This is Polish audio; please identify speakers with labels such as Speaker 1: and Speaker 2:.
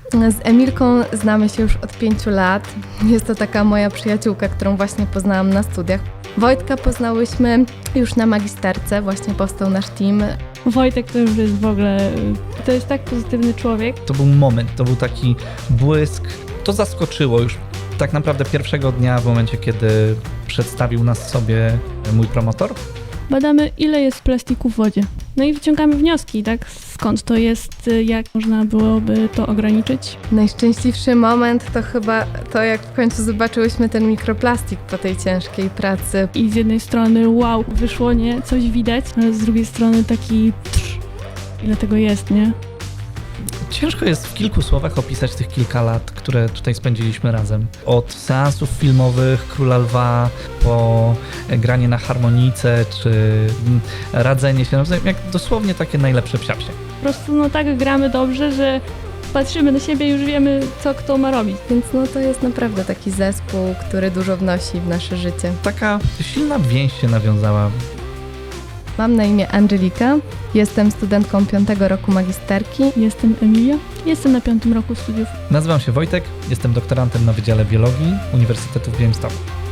Speaker 1: Z Emilką znamy się już od 5 lat. Jest to taka moja przyjaciółka, którą właśnie poznałam na studiach. Wojtka poznałyśmy już na magisterce, właśnie powstał nasz team.
Speaker 2: Wojtek to już jest w ogóle, to jest tak pozytywny człowiek.
Speaker 3: To był moment, to był taki błysk. To zaskoczyło już tak naprawdę pierwszego dnia, w momencie, kiedy przedstawił nas sobie mój promotor.
Speaker 2: Badamy, ile jest plastiku w wodzie. No i wyciągamy wnioski, tak? Skąd to jest, jak można byłoby to ograniczyć.
Speaker 1: Najszczęśliwszy moment to chyba to, jak w końcu zobaczyłyśmy ten mikroplastik po tej ciężkiej pracy.
Speaker 2: I z jednej strony wow, wyszło, nie? Coś widać, ale z drugiej strony taki ile tego jest, nie?
Speaker 3: Ciężko jest w kilku słowach opisać tych kilka lat, które tutaj spędziliśmy razem. Od seansów filmowych Króla Lwa, po granie na harmonijce, czy radzenie się nawzajem, jak dosłownie takie najlepsze psiapsie.
Speaker 2: Po prostu no tak gramy dobrze, że patrzymy na siebie i już wiemy, co kto ma robić.
Speaker 1: Więc no to jest naprawdę taki zespół, który dużo wnosi w nasze życie.
Speaker 3: Taka silna więź się nawiązała.
Speaker 1: Mam na imię Angelika, jestem studentką 5. roku magisterki.
Speaker 2: Jestem Emilia, jestem na 5. roku studiów.
Speaker 3: Nazywam się Wojtek, jestem doktorantem na Wydziale Biologii Uniwersytetu w Białymstoku.